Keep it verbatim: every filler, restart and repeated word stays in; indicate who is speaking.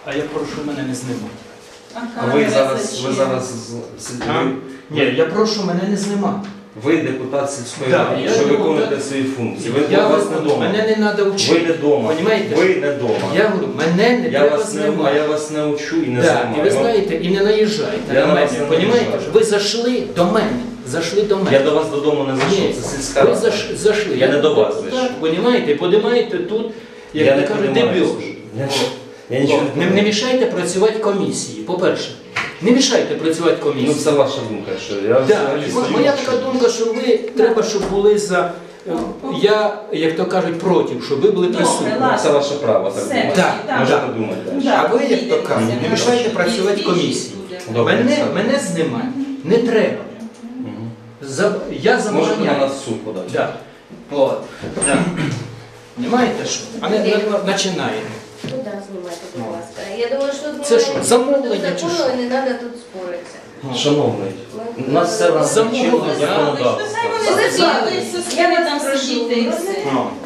Speaker 1: А я прошу мене не знімати.
Speaker 2: А ви зараз, ви зараз з- з-
Speaker 1: А?
Speaker 2: ви,
Speaker 1: Ні, я прошу мене не знімати.
Speaker 2: ви депутат сільської
Speaker 1: Да,
Speaker 2: ради,
Speaker 1: я
Speaker 2: що
Speaker 1: депутат.
Speaker 2: виконуєте свої функції. Ви
Speaker 1: Я
Speaker 2: у вас не
Speaker 1: виконую.
Speaker 2: вдома.
Speaker 1: Мене не треба
Speaker 2: Ви
Speaker 1: вчити.
Speaker 2: не вдома.
Speaker 1: Понімаєте?
Speaker 2: Ви не вдома.
Speaker 1: Я говорю, мене не
Speaker 2: Я
Speaker 1: треба
Speaker 2: вас не, а
Speaker 1: знімати.
Speaker 2: я вас не учу і не
Speaker 1: Да,
Speaker 2: знімаю.
Speaker 1: і ви
Speaker 2: Вам-
Speaker 1: знаєте, і не наїжджайте
Speaker 2: Я
Speaker 1: на
Speaker 2: на
Speaker 1: мене.
Speaker 2: вас не
Speaker 1: Понімаєте?
Speaker 2: наїжджаю.
Speaker 1: Ви зайшли до мене. Зайшли до мене.
Speaker 2: Я до вас додому не зайшов,
Speaker 1: Ні,
Speaker 2: це сільська
Speaker 1: ви
Speaker 2: рада.
Speaker 1: заш- зайшли.
Speaker 2: Я не до вас
Speaker 1: так,
Speaker 2: зайшов.
Speaker 1: Понімаєте? Подимаєте тут, як
Speaker 2: Я
Speaker 1: ви
Speaker 2: не
Speaker 1: кажете,
Speaker 2: подимаюсь.
Speaker 1: дебіж.
Speaker 2: Я, я нічого
Speaker 1: Не,
Speaker 2: не
Speaker 1: не
Speaker 2: подимаю.
Speaker 1: мішайте працювати комісії, по-перше. Не мішайте працювати
Speaker 2: Ну
Speaker 1: комісії.
Speaker 2: це ваша думка, що я
Speaker 1: Да.
Speaker 2: взагалі
Speaker 1: Мо-
Speaker 2: стою,
Speaker 1: Моя
Speaker 2: що-
Speaker 1: така думка, що ви треба, щоб були за. Я, як то кажуть, проти, щоб ви були присутні.
Speaker 2: Ну, це ваше право так
Speaker 3: Все.
Speaker 2: думати.
Speaker 1: Так,
Speaker 3: так.
Speaker 2: Можете
Speaker 1: так.
Speaker 2: думати. далі.
Speaker 3: Да.
Speaker 1: А ви, як то кажуть, не мішайте працювати комісії.
Speaker 2: Добре,
Speaker 1: Мене,
Speaker 2: все.
Speaker 1: мене знімати не треба.
Speaker 2: Мгм.
Speaker 1: За, я
Speaker 2: Можете на
Speaker 1: забороняю.
Speaker 2: нас в суд подати.
Speaker 1: Да. От. Да. Понимаєте що? А не, не, починаємо.
Speaker 4: Ну так, знімайте, будь ласка. Я думаю, що
Speaker 1: Це що, замовлення чи
Speaker 4: закону
Speaker 1: що?
Speaker 4: і не треба тут споритися.
Speaker 2: Шановний, у нас все в нас
Speaker 1: Замовлення.
Speaker 2: чинне законодавство.
Speaker 3: Хай вони зацікавляться,
Speaker 4: Я
Speaker 3: скільки
Speaker 4: вас
Speaker 3: там
Speaker 4: прошу,
Speaker 3: сидіти і все.
Speaker 1: Ну,